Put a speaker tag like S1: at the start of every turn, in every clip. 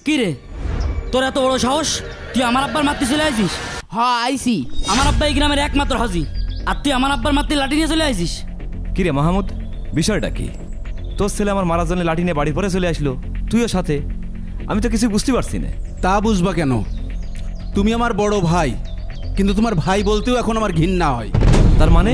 S1: কি রে, তোর এত বড় সাহস, তুই আমার আব্বার মারতে চলে আইছিস?
S2: হ্যাঁ আইসি।
S1: আমার আব্বা এই গ্রামের একমাত্র হাজি, আর তুই আমার আব্বার মারতে লাঠি নিয়ে চলে আইছিস?
S3: কি রে মাহমুদ, বিষয়টা কি? তোর ছেলে আমার মারার জন্য লাঠি নিয়ে বাড়ি পরে চলে আসলো, তুইও সাথে। আমি তো কিছু বুঝতে পারছি না।
S4: তা বুঝবা কেন? তুমি আমার বড় ভাই, কিন্তু তোমার ভাই বলতেও এখন আমার ঘৃণা হয়।
S3: তার মানে?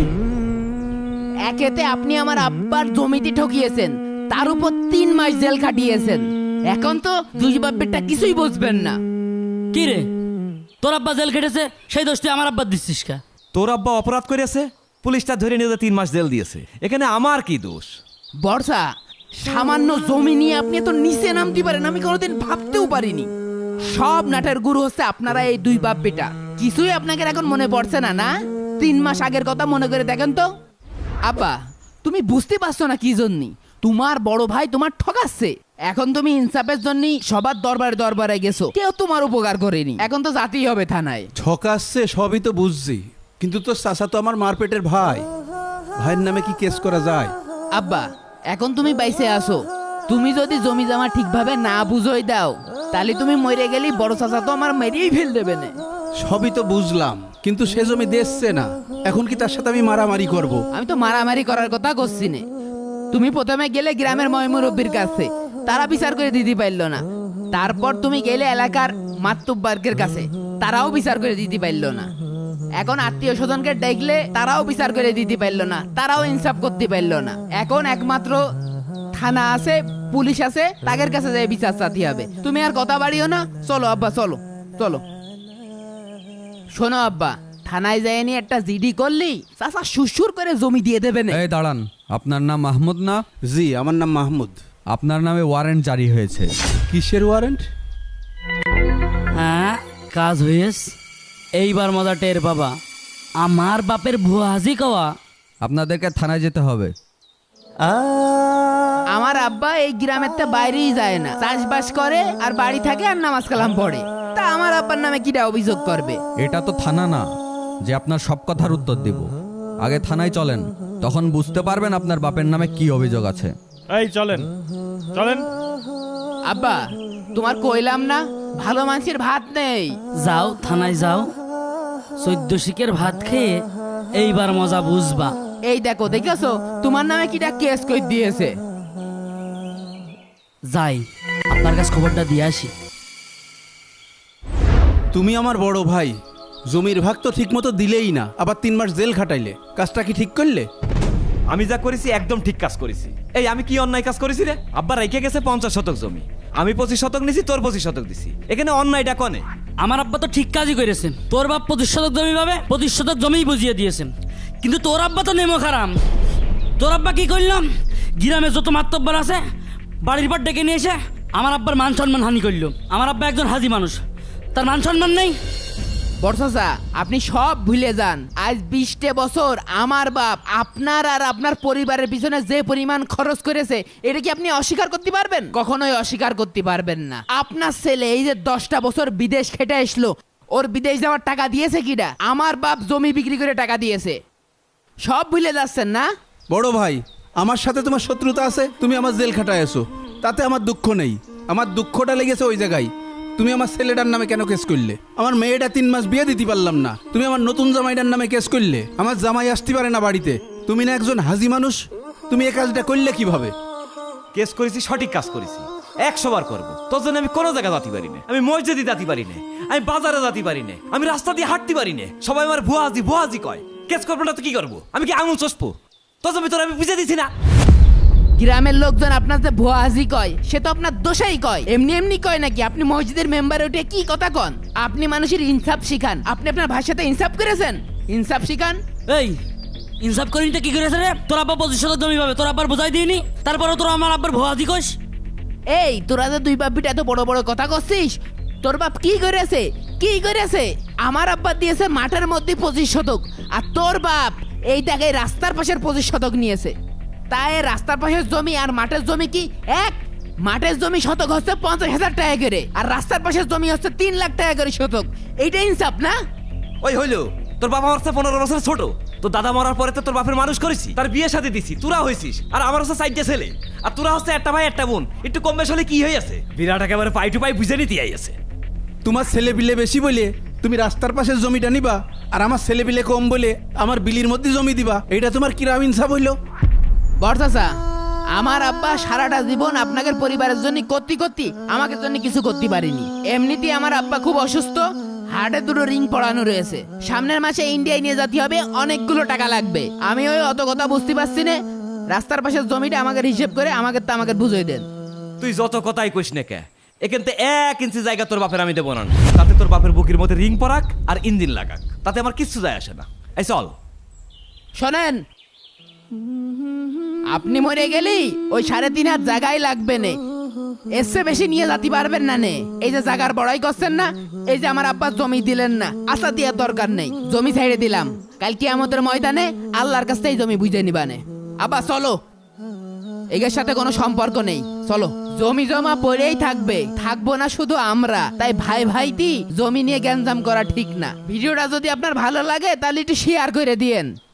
S2: একেতে আপনি আমার আব্বার জমিতে ঠকিয়েছেন, তার উপর 3 মাস জেল খাটিয়েছেন। এখন তো দুই বাপেরটা কিছুই বুঝবেন না।
S1: কি রে, তোর আব্বা জেল খেটেছে, সেই দোষ তুই আমার আব্বার দিচ্ছিস কা?
S3: তোর আব্বা অপরাধ করেছে, পুলিশটা ধরে নিয়ে 3 মাস জেল দিয়েছে, এখানে আমার কি দোষ?
S2: বর্ষা, সামান্য জমি নিয়ে আপনি এত নিচে নামতে পারেন আমি কোনোদিন ভাবতেও পারিনি। সব নাটের গুরু হচ্ছে আপনারা এই দুই বাপ বেটা। কিছুই আপনাকে এখন মনে পড়ছে না? না 3 মাস আগের কথা মনে করে দেখেন তো। আব্বা, তুমি বুঝতে পারছো না কি জন্যই তোমার বড় ভাই তোমার ঠকাচ্ছে। এখন তুমি ইনসাফের জন্য সবার দরবারে দরবারে গেছো, কেউ তোমার উপকার করেনি। এখন তো যেতেই হবে থানায়।
S4: ঠকাচ্ছে সবই তো বুঝছি, কিন্তু তোর চাচা তো আমার মারপেটের ভাই, ভাইয়ের নামে কি কেস করা যায়?
S2: আব্বা, এখন তুমি বাইসে আসো। তুমি যদি জমি জমা ঠিকভাবে না বুঝোই দাও, তাহলে তুমি মরে গেলি বড় চাচা তো আমার মেরেই ফেল দেবে না।
S4: সবই তো বুঝলাম, কিন্তু সে জমি দেখছে না, এখন কি তার সাথে আমি মারামারি করব?
S2: আমি তো মারামারি করার কথা করছি না। তুমি প্রথমে গেলে গ্রামের ময়মুরব্বির কাছে, তারা বিচার করে দিতে পারলো না। তারপর তুমি গেলে এলাকার মাতুব্বার্গের কাছে, তারাও বিচার করে দিতে পারলো না। এখন আত্মীয় স্বজনকে দেখলে তারাও বিচার করে দিতে পারলো না, তারাও ইনসাফ করতে পারলো না। এখন একমাত্র থানা আছে, পুলিশ আছে, তাদের কাছে যাই বিচার চাতে হবে। তুমি আর কথা বাড়িও না, চলো আব্বা, চলো চলো। শোনো আব্বা, থানায় যাই নিয়ে একটা জিডি করলি চাচা সুসুর করে জমি দিয়ে দেবে না।
S5: এই দাঁড়ান, আপনার নাম মাহমুদ না?
S4: জি, আমার নাম মাহমুদ।
S5: আপনার নামে ওয়ারেন্ট জারি হয়েছে।
S4: কিসের ওয়ারেন্ট?
S1: হ্যাঁ, কাজ হয়েস। এইবার মজা টের বাবা, আমার বাপের ভুয়া হাজি কওয়া।
S5: আপনাদেরকে থানায় যেতে হবে।
S2: আমার আব্বা এই গ্রামের তো বাইরেই যায় না, চাষবাস করে আর বাড়ি থাকে আর নামাজ কালাম পড়ে। তা আমার আব্বার নামে কিটা অভিযোগ করবে?
S5: এটা তো থানা না যে আপনার সব কথার উত্তর দিব। আগে থানায় চলেন, তখন বুঝতে পারবেন আপনার বাপের নামে কি অভিযোগ আছে।
S6: এই চলেন চলেন।
S2: আব্বা, তোমার কইলাম না ভালো মানুষের ভাত নেই।
S1: যাও থানায় যাও, 14 শিকের ভাত খেয়ে এইবার মজা বুঝবা।
S2: এই দেখো, দেখেছো তোমার নামে কিটা কেস কই দিয়েছে।
S1: যাই আপনার কাছে খবরটা দিয়ে আসি।
S4: তুমি আমার বড় ভাই, জমির ভাগ তো ঠিক মতো দিলেই না, আবার 3 মাস জেল খাটাইলে। কাজটা কি ঠিক করলে?
S3: আমি যা করেছি একদম ঠিক কাজ করেছি। এই আমি কি অন্যায় কাজ করেছি রে? আব্বা রেখে গেছে 50 শতক জমি, আমি 25 শতক নিছি, তোর 25 শতক দিছি, এখানে অন্যায়টা কনে?
S1: আমার আব্বা তো ঠিক কাজই করেছেন। তোর বাপ 25 শতক জমি পাবে, 25 শতক জমিই বুঝিয়ে দিয়েছেন। কিন্তু তোর আব্বা তো নেমো খারাম। তোর আব্বা কি করলাম, গ্রামে যত মাতব্বর আছে বাড়ির পর ডেকে নিয়ে এসে আমার আব্বার মান সম্মান হানি করলো। আমার আব্বা একজন হাজি মানুষ, তার মান সম্মান নেই।
S2: বর্ষা, আপনি সব ভুলে যান। আজ 20 বছর আমার বাপ আপনার আর আপনার পরিবারের পিছনে যে পরিমাণ খরচ করেছে, এটা কি আপনি অস্বীকার করতে পারবেন? কখনোই অস্বীকার করতে পারবেন না। আপনার ছেলে এই যে 10টা বছর বিদেশ খেটে আসলো, ওর বিদেশ যাওয়ার টাকা দিয়েছে কিনা? আমার বাপ জমি বিক্রি করে টাকা দিয়েছে। সব ভুলে যাচ্ছেন না?
S4: বড় ভাই, আমার সাথে তোমার শত্রুতা আছে, তুমি আমার জেল খাটায় আছো, তাতে আমার দুঃখ নেই। আমার দুঃখটা লেগেছে ওই জায়গায়, তুমি আমার ছেলেটার নামে কেন কেস করলে? আমার মেয়েটা 3 মাস বিয়ে দিতে পারলাম না, তুমি আমার নতুন জামাইটার নামে কেস করলে। আমার জামাই আসতে পারে না বাড়িতে, তুমি না একজন হাজি মানুষ, তুমি এই কাজটা করলে কিভাবে?
S3: কেস করেছি, সঠিক কাজ করেছি, 100 বার করবো। তোর জন্য আমি কোনো জায়গা যেতে পারি না, আমি মসজিদে যেতে পারি না, আমি বাজারে যেতে পারি না, আমি রাস্তা দিয়ে হাঁটতে পারি না। সবাই আমার ভুয়া হাজি কয়। কেস করবো না তো কি করবো? আমি কি আঙুল চষবো? তোর জমি তোর আমি বুঝে দিছি না।
S2: গ্রামের লোকজন আপনার যে ভুয়া হাজি কয়, সে তো আপনার দোষাই কয়। এমনি এমনি কয় নাকি? আপনি মসজিদের মেম্বারে উঠে কি কথা কন? আপনি মানুষের ইনসাফ শিখান। আপনি আপনার ভাইয়ের সাথে ইনসাফ করেছেন? ইনসাফ শিখান।
S1: এই ইনসাফ করিনিটা কি করেছে রে? তোর আব্বা 25 শতক জমি পাবে, তোর আব্বার বোঝাই দিইনি, তারপরে তোর আমার আব্বার ভুয়া হাজি কইস।
S2: এই তোরা যে দুই বাপ বিটা এত বড় বড় কথা করছিস, তোর বাপ কি করেছে? কি করেছে? আমার আব্বা দিয়েছে মাঠের মধ্যে 25 শতক, আর তোর বাপ এই টাকায় রাস্তার পাশের 25 শতক নিয়েছে। তাই রাস্তার পাশের জমি আর মাঠের জমি কি এক? মাঠের জমি শতক হচ্ছে 50,000 টাকা করে, আর রাস্তার পাশের জমি হচ্ছে 3 লাখ টাকা করে শতক। এইটা ইনসাফ না?
S3: ওই হইলো, তোর বাবা আমার 15 বছর ছোট, তো দাদা মরার পরে তো তোর বাপের মানুষ করেছি, তার বিয়ে সাথে দিছি, তোরা হয়েছিস, আর আমার হচ্ছে 4টে ছেলে, আর তোরা হচ্ছে একটা ভাই একটা বোন, একটু কম বেশ হলে কি হয়ে আছে? বিরাট একেবারে পাই টু পাই বুঝে নিতে আছে।
S4: তোমার ছেলে বিলে বেশি বলে তুমি রাস্তার পাশের জমিটা নিবা, আর আমার ছেলে বিলে কম বলে আমার বিলির মধ্যে জমি দিবা, এটা তোমার কিরাম ইনসাফ হইলো?
S2: বড় চাচা, আমার আব্বা সারাটা জীবন আপনাদের পরিবারের জন্য করতে করতে আমাকে জন্য কিছু করতে পারিনি। এমনিতেই আমার আব্বা খুব অসুস্থ, হার্টে 2টো রিং পড়ানো রয়েছে, সামনের মাসে ইন্ডিয়ায় নিয়ে যেতে হবে, অনেকগুলো টাকা লাগবে। আমি ওই অত কথা বুঝতে পারছি না, রাস্তার পাশের জমিটা আমাকে হিসেব করে আমাকে বুঝিয়ে দেন।
S3: তুই যত কথাই কইস না কে, এখান থেকে 1 ইঞ্চি জায়গা তোর বাপের আমি দেবো না, তাতে তোর বাপের বুকের মধ্যে রিং পরাক আর ইঞ্জিন লাগাক, তাতে আমার কিচ্ছু যায় আসে না। এই চল।
S2: শোনেন, আপনি মরে গেলেই ওই 3.5 হাত জায়গায় লাগবে নে, এর চেয়ে বেশি নিয়ে যেতে পারবেন না নে। এই যে জায়গার বড়াই করছেন না, এই যে আমার আব্বা জমি দিলেন না, আশা দেওয়ার দরকার নেই, জমি ছেড়ে দিলাম, কালকে আমাদের ময়দানে আল্লাহর কাছ থেকে জমি বুঝে নিবানে। আব্বা চলো, এর সাথে কোনো সম্পর্ক নেই, চলো। জমি জমা পড়েই থাকবে, থাকবো না শুধু আমরা, তাই ভাই ভাইটি জমি নিয়ে গ্যাঞ্জাম করা ঠিক না। ভিডিওটা যদি আপনার ভালো লাগে তাহলে একটু শেয়ার করে দিয়েন।